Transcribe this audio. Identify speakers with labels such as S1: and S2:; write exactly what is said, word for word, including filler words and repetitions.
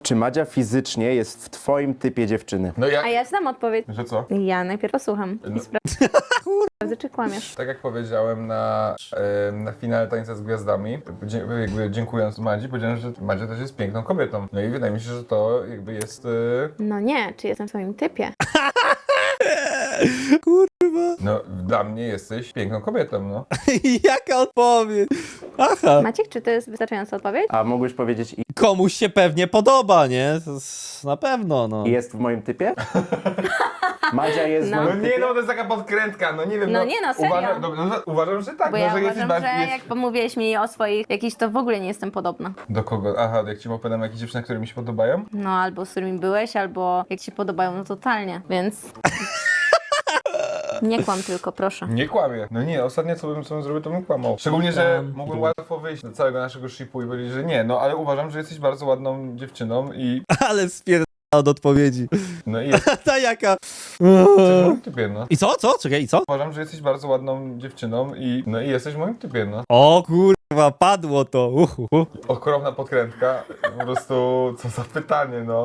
S1: Czy Madzia fizycznie jest w twoim typie dziewczyny?
S2: No jak?
S3: A ja znam odpowiedź.
S2: Że co?
S3: Ja najpierw posłucham
S2: No.
S3: i sprawdzę, czy kłamiesz.
S2: Tak jak powiedziałem na, e, na finale Tańca z Gwiazdami, dzie, jakby dziękując Madzi, powiedziałem, że Madzia też jest piękną kobietą. No i wydaje mi się, że to jakby jest... E,
S3: No nie, czy jestem w twoim typie?
S2: no dla mnie jesteś piękną kobietą, no.
S4: Jaka odpowiedź? Aha.
S3: Maciek, czy to jest wystarczająca odpowiedź?
S1: A mógłbyś powiedzieć i
S4: Komuś się pewnie podoba, nie? To s- Na pewno, no.
S1: jest w moim typie? Madzia jest
S3: No.
S1: w
S2: No
S1: moim
S2: nie,
S1: typie?
S2: no to jest taka podkrętka, no nie wiem.
S3: No nie, no, serio.
S2: Uważam, no, no, uważam, że tak,
S3: Bo
S2: no,
S3: ja
S2: że jesteś
S3: uważam,
S2: bardziej...
S3: że
S2: jest-
S3: jak pomówiłeś mi o swoich jakichś, to w ogóle nie jestem podobna.
S2: Do kogo? Aha, jak ci opowiadam jakieś dziewczyny, które mi się podobają?
S3: No albo z którymi byłeś, albo jak ci podobają, no totalnie, więc... Nie kłam tylko, proszę.
S2: Nie kłamię. No nie, ostatnio co bym, co bym zrobił, to bym kłamał. Szczególnie, że mógłbym łatwo wyjść do całego naszego shipu i powiedzieć, że nie, no ale uważam, że jesteś bardzo ładną dziewczyną i...
S4: Ale spierdala od odpowiedzi.
S2: No i jesteś
S4: Ta jaka...
S2: w moim typie, no.
S4: I co? Co? Czekaj, i co?
S2: Uważam, że jesteś bardzo ładną dziewczyną i... No i jesteś w moim typie, no.
S4: O kurwa, padło to. Uhu.
S2: Okropna podkrętka. Po prostu, co za pytanie, no.